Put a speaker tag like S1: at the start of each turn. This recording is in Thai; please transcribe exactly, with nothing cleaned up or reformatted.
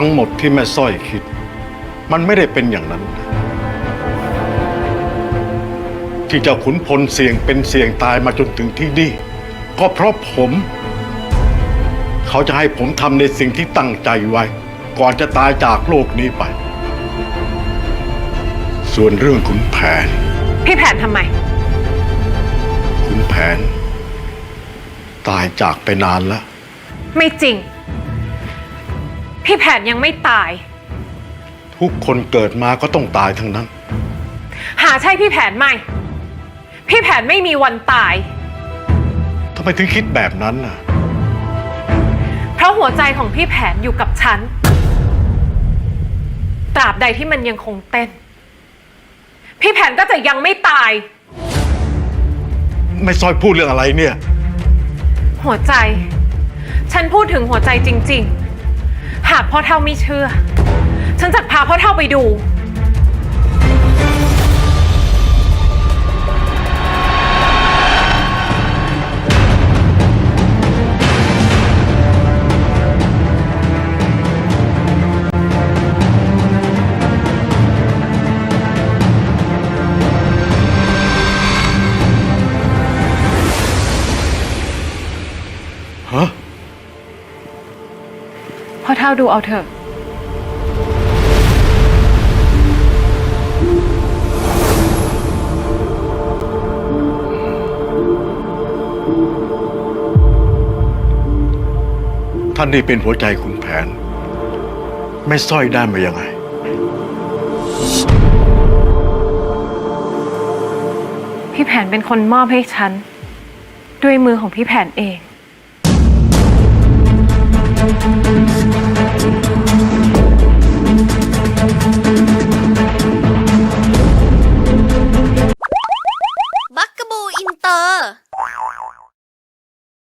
S1: ทั้งหมดที่แม่สร้อยคิดมันไม่ได้เป็นอย่างนั้นที่เจ้าขุนพลเสี่ยงเป็นเสี่ยงตายมาจนถึงที่นี่ก็เพราะผมเขาจะให้ผมทำในสิ่งที่ตั้งใจไว้ก่อนจะตายจากโลกนี้ไปส่วนเรื่องขุนแผน
S2: พี่แผนทำไม
S1: ขุนแผนตายจากไปนานแล้ว
S2: ไม่จริงพี่แผนยังไม่ตาย
S1: ทุกคนเกิดมาก็ต้องตายทั้งนั้น
S2: หาใช่พี่แผนไหมพี่แผนไม่มีวันตาย
S1: ทำไมถึงคิดแบบนั้นน่ะ
S2: เพราะหัวใจของพี่แผนอยู่กับฉันตราบใดที่มันยังคงเต้นพี่แผนก็จะยังไม่ตาย
S1: ไม่ซอยพูดเรื่องอะไรเนี่ย
S2: หัวใจฉันพูดถึงหัวใจจริงๆหากพ่อเฒ่าไม่เชื่อฉันจะพาพ่อเฒ่าไปดู
S1: ฮะ
S2: พ่อเฒ่าดูเอาเถอะ
S1: ท่านนี่เป็นหัวใจขุนแผนไม่สร้อยได้มายังไง
S2: พี่แผนเป็นคนมอบให้ฉันด้วยมือของพี่แผนเอง